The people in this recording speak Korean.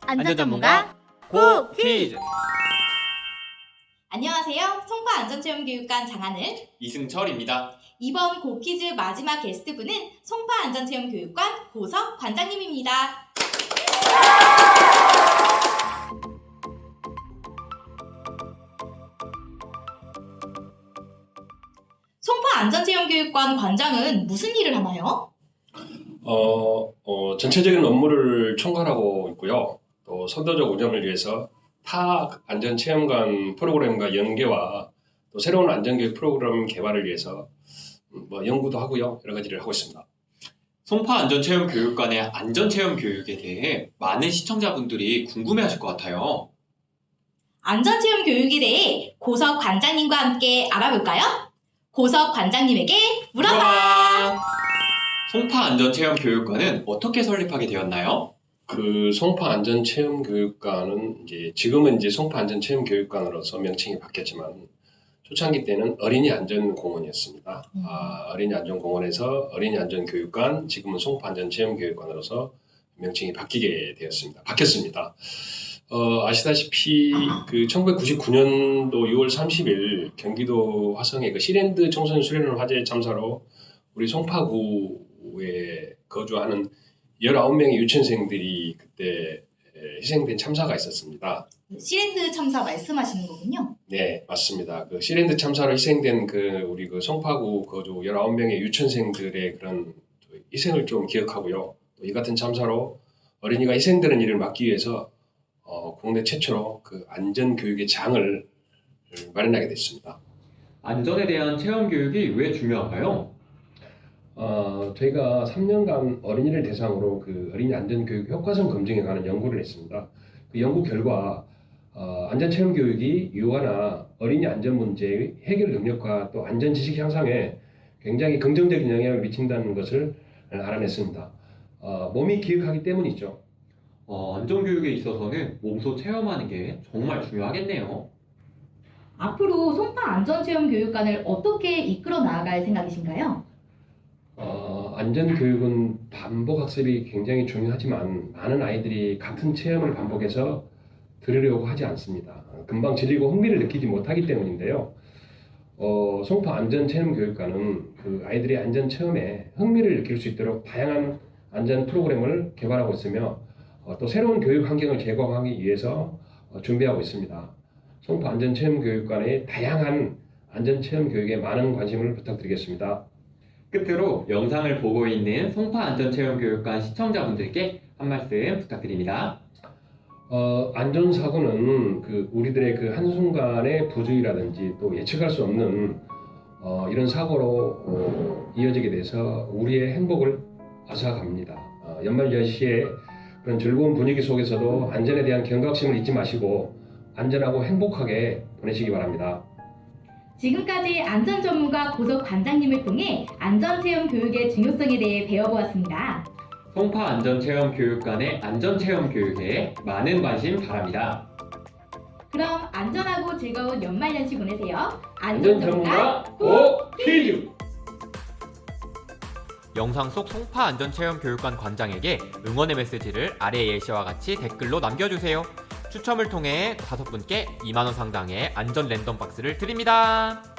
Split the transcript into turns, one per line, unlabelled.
안전 전문가 고 퀴즈!
안녕하세요. 송파 안전체험교육관 장하늘,
이승철입니다.
이번 고 퀴즈 마지막 게스트분은 송파 안전체험교육관 고석 관장님입니다. 송파 안전체험교육관 관장은 무슨 일을 하나요?
전체적인 업무를 총괄하고 있고요. 또 선도적 운영을 위해서 타 안전체험관 프로그램과 연계와 또 새로운 안전교육 프로그램 개발을 위해서 연구도 하고요. 여러 가지를 하고 있습니다.
송파 안전체험교육관의 안전체험 교육에 대해 많은 시청자분들이 궁금해하실 것 같아요.
안전체험교육에 대해 고석 관장님과 함께 알아볼까요? 고석 관장님에게 물어봐!
송파 안전체험교육관은 어떻게 설립하게 되었나요?
그 송파 안전체험교육관은 지금은 송파 안전체험교육관으로서 명칭이 바뀌었지만 초창기 때는 어린이 안전공원이었습니다. 어린이 안전공원에서 어린이 안전교육관, 지금은 송파 안전체험교육관으로서 명칭이 바뀌었습니다. 아시다시피 그 1999년도 6월 30일 경기도 화성의 그 시랜드 청소년 수련회 화재 참사로 우리 송파구에 거주하는 19명의 유치원생들이 그때 희생된 참사가 있었습니다.
시랜드 참사 말씀하시는 거군요.
네, 맞습니다. 그 시랜드 참사로 희생된 우리 국파구 거주 19명의 유치원생들의 그런 희생을 좀 기억하고요. 또 이 같은 참사로 어린이가 희생되는 일을 막기 위해서 국내 최초로 그 안전교육의 장을 마련하게 됐습니다.
안전에 대한 체험 교육이 왜 중요한가요?
저희가 3년간 어린이를 대상으로 그 어린이 안전교육 효과성 검증에 관한 연구를 했습니다. 그 연구 결과 안전체험 교육이 유아나 어린이 안전 문제의 해결 능력과 또 안전지식 향상에 굉장히 긍정적인 영향을 미친다는 것을 알아냈습니다. 몸이 기억하기 때문이죠.
안전교육에 있어서는 몸소 체험하는 게 정말 중요하겠네요.
앞으로 송파 안전체험교육관을 어떻게 이끌어 나아갈 생각이신가요?
안전교육은 반복 학습이 굉장히 중요하지만 많은 아이들이 같은 체험을 반복해서 들으려고 하지 않습니다. 금방 질리고 흥미를 느끼지 못하기 때문인데요. 송파 안전체험교육관은 그 아이들의 안전체험에 흥미를 느낄 수 있도록 다양한 안전 프로그램을 개발하고 있으며 또 새로운 교육 환경을 제공하기 위해서 준비하고 있습니다. 송파 안전체험교육관의 다양한 안전체험 교육에 많은 관심을 부탁드리겠습니다.
끝으로 영상을 보고 있는 송파 안전체험교육관 시청자분들께 한 말씀 부탁드립니다.
안전사고는 우리들의 그 한순간의 부주의라든지 또 예측할 수 없는 이런 사고로 이어지게 돼서 우리의 행복을 앗아갑니다. 연말 연시에 그런 즐거운 분위기 속에서도 안전에 대한 경각심을 잊지 마시고 안전하고 행복하게 보내시기 바랍니다.
지금까지 안전전문가 고석 관장님을 통해 안전체험 교육의 중요성에 대해 배워보았습니다.
송파 안전체험교육관의 안전체험 교육에 많은 관심 바랍니다.
그럼 안전하고 즐거운 연말연시 보내세요.
안전전문가 고 퀴즈!
영상 속 송파 안전체험교육관 관장에게 응원의 메시지를 아래 예시와 같이 댓글로 남겨주세요. 추첨을 통해 5분께 2만원 상당의 안전 랜덤 박스를 드립니다.